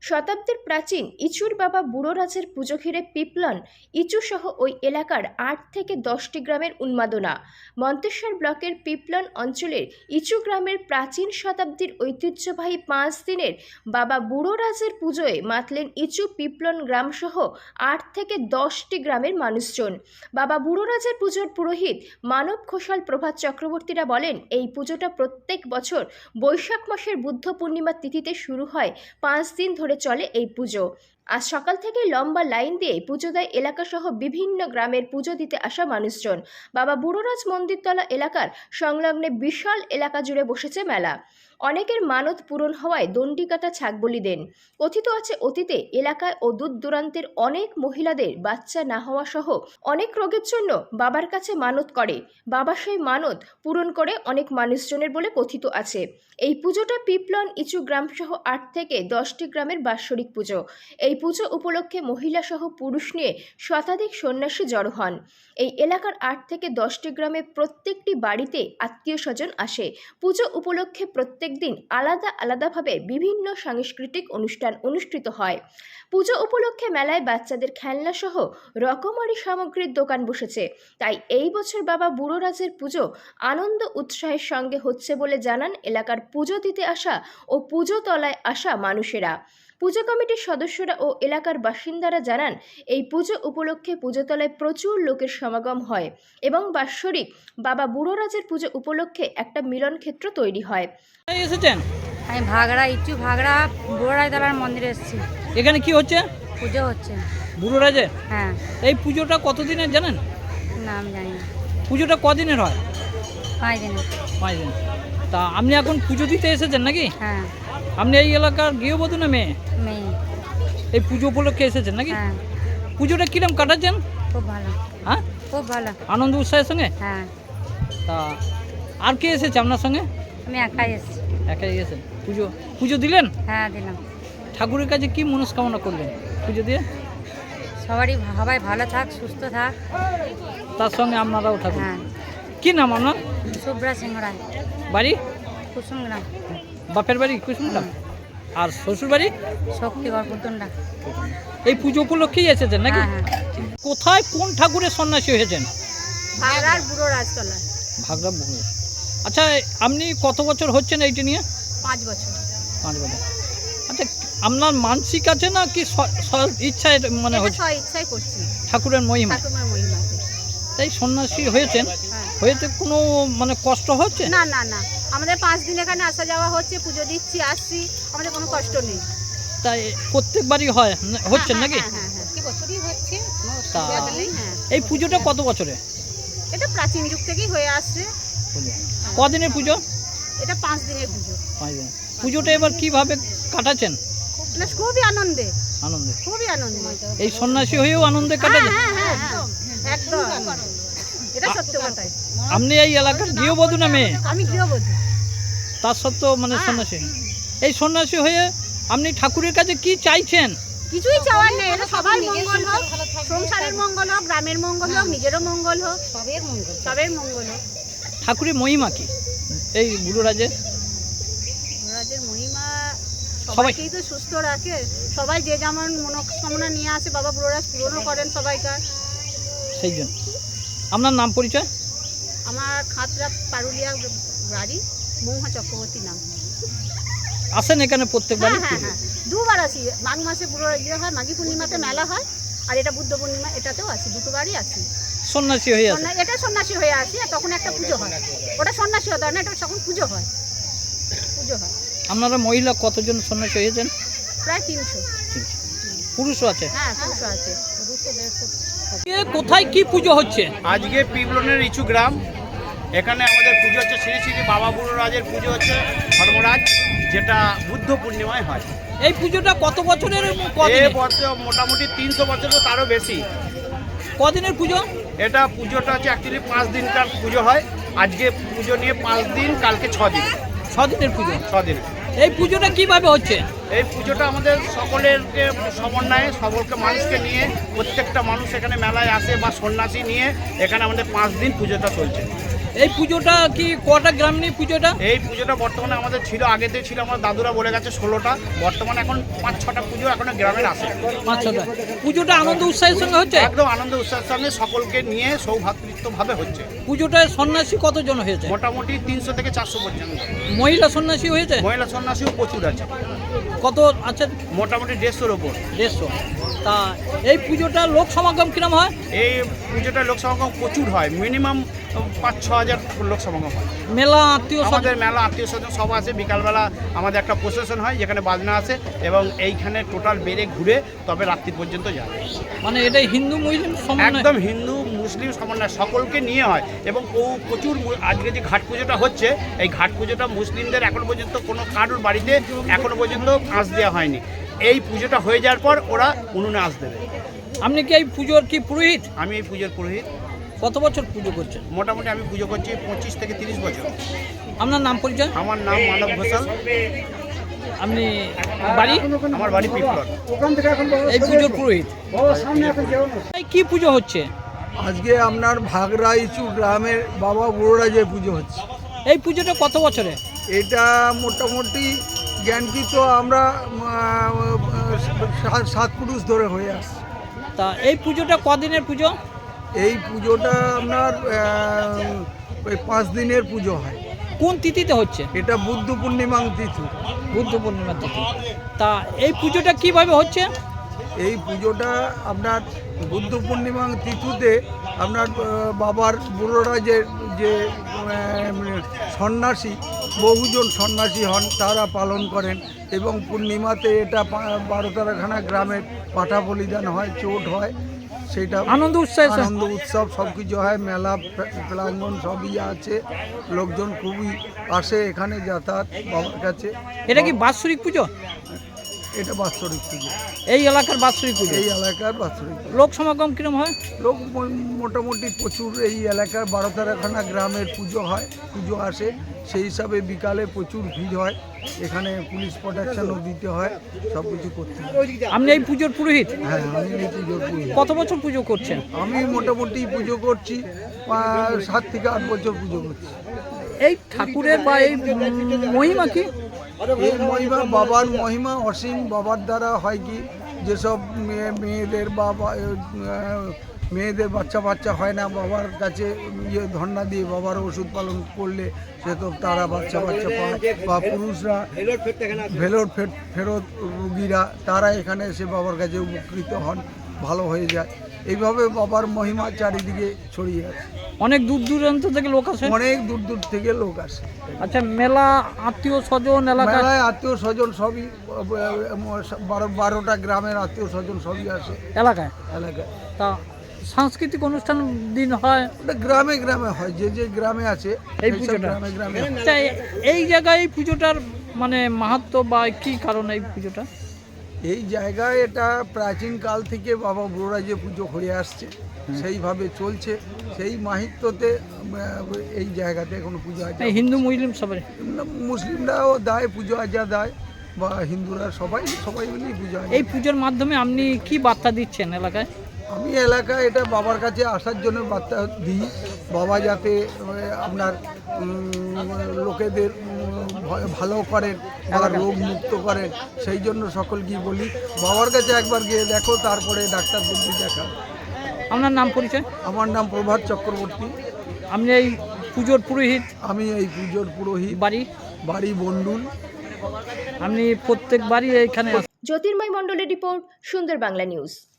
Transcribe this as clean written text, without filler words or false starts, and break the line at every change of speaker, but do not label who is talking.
শতাব্দীর প্রাচীন ইচুর বাবা বুড়োরাজের পুজো ঘিরে পিপলন ইচু সহ ওই এলাকার ৮ থেকে ১০টি গ্রামের উন্মাদনা। মন্তেশ্বর ব্লকের পিপলন অঞ্চলের ইচু গ্রামের প্রাচীন শতাব্দীর ঐতিহ্যবাহী ৫ দিনের বাবা বুড়োরাজের পুজোয় মাতলেন ইচু পিপলন গ্রাম সহ ৮ থেকে ১০টি গ্রামের মানুষজন। বাবা বুড়োরাজের পুজোর পুরোহিত মানব ঘোষাল প্রভাত চক্রবর্তীরা বলেন, এই পুজোটা প্রত্যেক বছর বৈশাখ মাসের বুদ্ধ পূর্ণিমার তিথিতে শুরু হয়। ৫ দিন ধরে চলে এই পুজো। আজ সকাল থেকে লম্বা লাইন দিয়ে পুজো দেয় এলাকাসহ বিভিন্ন গ্রামের পুজো দিতে আসা মানুষজন। বাবা বুড়োরাজ মন্দিরতলা এলাকার সংলগ্নে বিশাল এলাকা জুড়ে বসেছে মেলা। অনেকের মানত পূরণ হওয়ায় দণ্ডিকাটা ছাগবলি দেন। কথিত আছে, অতীতে এলাকায় ও দূর দূরান্তের অনেক মহিলাদের বাচ্চা না হওয়া সহ অনেক রোগের জন্য বাবার কাছে মানত করে। বাবা সেই মানত পূরণ করে অনেক মানুষজনের বলে কথিত আছে। এই পুজোটা পিপলন ইচু গ্রাম সহ ৮ থেকে ১০টি গ্রামের বাৎসরিক পুজো। এই পুজো উপলক্ষে মহিলা সহ পুরুষ নিয়ে শতাধিক সন্ন্যাসী জড়ো হন। এই এলাকার ৮ থেকে ১০টি গ্রামের প্রত্যেকটি বাড়িতে আত্মীয় স্বজন আসে। পুজো উপলক্ষে প্রত্যেক দিন আলাদা আলাদাভাবে বিভিন্ন সাংস্কৃতিক অনুষ্ঠান অনুষ্ঠিত হয়। পুজো উপলক্ষে মেলায় বাচ্চাদের খেলনা সহ রকমারি সামগ্রীর দোকান বসেছে। তাই এই বছর বাবা বুড়োরাজের পুজো আনন্দ উৎসাহের সঙ্গে হচ্ছে বলে জানান এলাকার পুজো দিতে আসা ও পুজো তলায় আসা মানুষেরা। পুজো কমিটির সদস্যরা ও এলাকার বাসিন্দারা জানান, এই পুজো উপলক্ষে পুজোতলায় প্রচুর লোকের সমাগম হয় এবং বাৎসরিক বাবা বুড়োরাজের পুজো উপলক্ষে একটা মিলন ক্ষেত্র তৈরি হয়।
এসেছেন?
আমি ভাগড়া বুড়োরাজ তলার মন্দিরে এসেছি।
এখানে কি হচ্ছে?
পুজো হচ্ছে।
বুড়োরাজের?
হ্যাঁ।
এই পুজোটা কতদিনের জানেন?
না, আমি জানি না।
পুজোটা কদিনের হয়?
5 দিনের।
5 দিন। তা আপনি এখন পুজো দিতে এসেছেন নাকি?
হ্যাঁ।
আপনি এই এলাকার গৃহবধূ না মেয়ে?
মেয়ে।
এই পুজো উপলক্ষে এসেছেন নাকি?
হ্যাঁ।
পুজোটা কিরম কাটাচ্ছেন?
খুব ভালো।
হ্যাঁ,
খুব ভালো।
আনন্দ উৎসাহের সঙ্গে?
হ্যাঁ।
তা আর কে এসেছে আপনার সঙ্গে?
আমি একাই এসেছি।
একাই এসেছেন? পুজো দিলেন?
হ্যাঁ, দিলাম।
ঠাকুরের কাছে কি মনস্কামনা করলেন পুজো দিয়ে?
সবাই ভালো থাক, সুস্থ থাক।
তার সঙ্গে আপনারাও থাকুন।
হ্যাঁ।
কি নাম আপনার?
শুভ্রা সিংহ রায়।
বাড়ি?
কুসুমগ্রাম।
বাপের বাড়ি কুসুমগ্রাম? আর শ্বশুর বাড়ি?
শক্তিগড় পুতুন্ডা।
এই পুজো উপলক্ষেই এসেছেন নাকি?
হ্যাঁ, হ্যাঁ।
কোথায় কোন ঠাকুরের সন্ন্যাসী হয়েছেন?
ভাগড়ার বুড়োরাজ তলা।
ভাগড়া বুড়ো। আচ্ছা, আপনি কত বছর হচ্ছেন এইটা নিয়ে?
5 বছর।
5 বছর। আচ্ছা, আপনার মানসিক আছে না কি ইচ্ছায় মানে হচ্ছে?
ইচ্ছাই করছি।
ঠাকুরের মহিমা।
ঠাকুরের মহিমা।
তাই সন্ন্যাসী হয়েছেন?
হ্যাঁ।
হয়েছে কোনো মানে কষ্ট হচ্ছে?
না না না, আমাদের 5 দিন এখানে আসা যাওয়া হচ্ছে, পুজো দিচ্ছি, আসছি, আমাদের কোনো কষ্ট নেই।
তাই প্রত্যেকবারই হচ্ছেন নাকি?
হ্যাঁ হ্যাঁ হ্যাঁ, কি বছরই হচ্ছে।
তা
হ্যাঁ।
এই পুজোটা কত বছরে?
এটা প্রাচীন যুগ থেকেই হয়ে আসছে।
কদিনের পুজো?
এটা 5 দিনের পুজো।
5 দিন। পুজোটা এবার কিভাবে কাটাচ্ছেন?
মানে খুবই আনন্দে।
আনন্দে?
খুবই আনন্দে।
এই সন্ন্যাসী হয়েও আনন্দে কাটাচ্ছেন?
হ্যাঁ হ্যাঁ হ্যাঁ, একদম। এটা সত্য কথাই।
আপনি এই এলাকার গৃহবধূ না মেয়ে?
আমি গৃহবধূ।
তার সত্ত্বেও মানে সন্ন্যাসী। এই সন্ন্যাসী হয়ে আপনি ঠাকুরের কাছে কি চাইছেন?
কিছুই চাওয়ার নেই, এটা সবার মঙ্গল হোক, সংসারের মঙ্গল হোক, গ্রামের মঙ্গল হোক, নিজেরও মঙ্গল হোক, সবের মঙ্গল হোক।
ঠাকুরের মহিমা কি এই বুড়োরাজের?
বুড়োরাজের মহিমা সবাইকেই তো সুস্থ রাখে। সবাই যে যেমন মনোকামনা নিয়ে আসে বাবা বুড়োরাজ পূরণও করেন সবাইকার।
সেই জন্য। আপনার নাম পরিচয়?
আমার খাতরা পারুলিয়া বাড়ি, মৌহা চক্রবর্তী নাম।
আসেন এখানে প্রত্যেকবারই?
হ্যাঁ হ্যাঁ, 2 বার আসি। মাঘ মাসে বুড়ো হয়, মাঘী পূর্ণিমাতে মেলা হয়, আর এটা বুদ্ধ পূর্ণিমা, এটাতেও আসি, 2 বারই আসি।
সন্ন্যাসী হয়ে আসেন?
এটা সন্ন্যাসী হয়ে আসি, আর তখন একটা পুজো হয়। ওটা সন্ন্যাসী হতে হয় না, এটা তখন পুজো হয়।
আপনারা মহিলা কতজন সন্ন্যাসী হয়েছেন?
প্রায় 300।
পুরুষও আছে?
হ্যাঁ, পুরুষও আছে।
কোথায় কি পুজো হচ্ছে?
আজকে পিপলনের ইচু গ্রাম, এখানে আমাদের পুজো হচ্ছে শ্রী শ্রী বাবা বুড়োরাজের পুজো হচ্ছে ধর্মরাজ, যেটা বুদ্ধ পূর্ণিমায় হয়।
এই পুজোটা কত বছরের?
মোটামুটি 300 বছরও তারও বেশি।
কদিনের পুজো?
এটা পুজোটা হচ্ছে অ্যাকচুয়ালি 5 দিনকার পুজো হয়। আজকে পুজো নিয়ে 5 দিন, কালকে 6 দিন।
6 দিনের পুজো?
6 দিন।
এই পুজোটা কিভাবে হচ্ছে?
এই পুজোটা আমাদের সকলেরকে সমন্বয়ে, সকলকে মানুষকে নিয়ে, প্রত্যেকটা মানুষ এখানে মেলায় আসে বা সন্ন্যাসী নিয়ে এখানে আমাদের 5 দিন পুজোটা চলছে।
এই পুজোটা কি কটা গ্রাম নিয়ে পুজোটা?
এই পুজোটা বর্তমানে আমাদের ছিল, আগেতে ছিল আমার দাদুরা বলে গেছে 16টা, বর্তমানে এখন 5-6টা পুজো এখন গ্রামের আছে।
5-6টা পুজোটা আনন্দ উৎসাহের সঙ্গে হচ্ছে?
একদম আনন্দ উৎসাহের সঙ্গে সকলকে নিয়ে সৌভ্রাতৃত্বভাবে হচ্ছে।
পুজোটায় সন্ন্যাসী কতজন হয়েছে?
মোটামুটি 300 থেকে 400 পর্যন্ত।
মহিলা সন্ন্যাসী হয়েছে?
মহিলা সন্ন্যাসীও প্রচুর আছে,
কত আছে?
মোটামুটি 150-র ওপর।
150। তা এই পুজোটা লোক সমাগম কিরম হয়?
এই পুজোটা লোক সমাগম প্রচুর হয়, মিনিমাম 5-6 হাজার লোক সমাগম হয়।
মেলা আত্মীয়
আমাদের মেলা আত্মীয় স্বজন সব আছে, বিকালবেলা আমাদের একটা প্রসেশন হয় যেখানে বাজনা আছে এবং এইখানে টোটাল বেড়ে ঘুরে তবে রাত্রি পর্যন্ত যায়।
মানে এটা হিন্দু মুসলিম সমন্বয়?
একদম হিন্দু মুসলিম সমন্বয়, সকলকে নিয়ে হয় এবং প্রচুর আজকে যে ঘাট পুজোটা হচ্ছে, এই ঘাট পুজোটা মুসলিমদের এখনো পর্যন্ত কোনো কারোর বাড়িতে এখনো পর্যন্ত আঁচ দেওয়া হয়নি। এই পুজোটা হয়ে যাওয়ার পর ওরা উনুনে আঁচ দেবে।
আপনি কি এই পুজোর কি পুরোহিত?
আমি এই পুজোর পুরোহিত।
কত বছর পুজো করছেন?
মোটামুটি আমি পুজো করছি 25 থেকে 30 বছর।
আপনার নাম পরিচয়?
আমার নাম মানব ঘোষাল।
আপনি বাড়ি?
আমার বাড়ি পিপলন।
এই পুজোর পুরোহিত। এই কি পুজো হচ্ছে?
আজকে আপনার ভাগরা ইচু গ্রামের বাবা বুড়োরাজের পুজো হচ্ছে।
এই পুজোটা কত বছরে?
এটা মোটামুটি জ্ঞানকৃত আমরা 7 পুরুষ ধরে হয়ে আসছে।
তা এই পুজোটা কদিনের পুজো?
এই পুজোটা আপনার ওই 5 দিনের পুজো হয়।
কোন তিথিতে হচ্ছে?
এটা বুদ্ধ পূর্ণিমা তিথি।
বুদ্ধ পূর্ণিমা তিথি। তা এই পুজোটা কিভাবে হচ্ছে?
এই পুজোটা আপনার বুদ্ধ পূর্ণিমা তিথিতে আপনার বাবার বুড়োরাজের যে সন্ন্যাসী, বহুজন সন্ন্যাসী হন, তারা পালন করেন এবং পূর্ণিমাতে এটা 12-13খানা গ্রামের পাঠা বলিদান হয়, চোট হয়, সেটা
আনন্দ উৎসাহ
আনন্দ উৎসব সব কিছু হয়। মেলা প্রাঙ্গণ সবই আছে, লোকজন খুবই আসে এখানে যাতায়াত বাবার কাছে।
এটা কি বাৎসরিক পুজো?
এটা বাৎসরিক পুজো,
এই এলাকার বাৎসরিক পুজো।
এই এলাকার বাৎসরিক পুজো।
লোক সমাগম কিরম হয়?
লোক মোটামুটি প্রচুর, এই এলাকার 12-13খানা গ্রামের পুজো হয়, পুজো আসে, সেই হিসাবে বিকালে প্রচুর ভিড় হয়। এখানে পুলিশ প্রোটেকশনও দিতে হয়, সব কিছু করতে হয়।
আপনি এই পুজোর পুরোহিত?
হ্যাঁ, আমি এই পুজোর পুজো।
কত বছর পুজো করছেন?
আমি মোটামুটি পুজো করছি 7 থেকে 8 বছর পুজো করছি।
এই ঠাকুরের বা এই মহিমা কি?
এই মহিমা বাবার মহিমা অসীম। বাবার দ্বারা হয় কি, যেসব মেয়েদের বা মেয়েদের বাচ্চা হয় না, বাবার কাছে ধর্ণা দিয়ে বাবার ওষুধ পালন করলে সে তো তারা বাচ্চা পায়, বা পুরুষরা ভেলোর ফেরত রুগীরা তারা এখানে এসে বাবার কাছে উপকৃত হন, ভালো হয়ে যায়। এইভাবে বাবার মহিমা চারিদিকে ছড়িয়ে আছে।
অনেক দূর দূরান্ত থেকে লোক আসে?
অনেক দূর দূর থেকে লোক আসে।
আচ্ছা, মেলা আত্মীয় স্বজন এলাকা?
মেলায় আত্মীয় স্বজন সবই 12টা গ্রামের আত্মীয় স্বজন সবই আসে
এলাকায়।
তা
সাংস্কৃতিক অনুষ্ঠান দিন হয়?
ওটা গ্রামে গ্রামে হয়, যে গ্রামে আছে
এই
সেইসব
পুজোটা?
গ্রামে হয়।
আচ্ছা, এই জায়গায় এই পুজোটার মানে মাহাত্ম্য বা কি কারণ এই পুজোটা?
এই জায়গায় এটা প্রাচীন কাল থেকে বাবা বুড়োরাজের পুজো হয়ে আসছে, সেইভাবে চলছে। সেই মাহিত্যতে এই জায়গাতে কোনো পুজো আজা,
এই হিন্দু মুসলিম সবাই,
মুসলিমরাও দেয় পুজো আজা দেয়, বা হিন্দুরা সবাই মিলেই পুজো আজা।
এই পুজোর মাধ্যমে আপনি কি বার্তা দিচ্ছেন এলাকায়?
আমি এলাকায় এটা বাবার কাছে আসার জন্য বার্তা দিই, বাবা যাতে আপনার লোকেদের ভালো করেন বা রোগ মুক্ত করেন, সেই জন্য সকলকেই বলি বাবার কাছে একবার গিয়ে দেখো, তারপরে ডাক্তারদেরকে দেখা।
আপনার নাম পরিচয়?
আমার নাম প্রভাত চক্রবর্তী।
আপনি এই পুজোর পুরোহিত?
আমি এই পুজোর পুরোহিত। বাড়ি বন্ডুল।
আপনি প্রত্যেক বাড়ি এইখানে?
জ্যোতির্ময় মণ্ডলের রিপোর্ট, সুন্দর বাংলা নিউজ।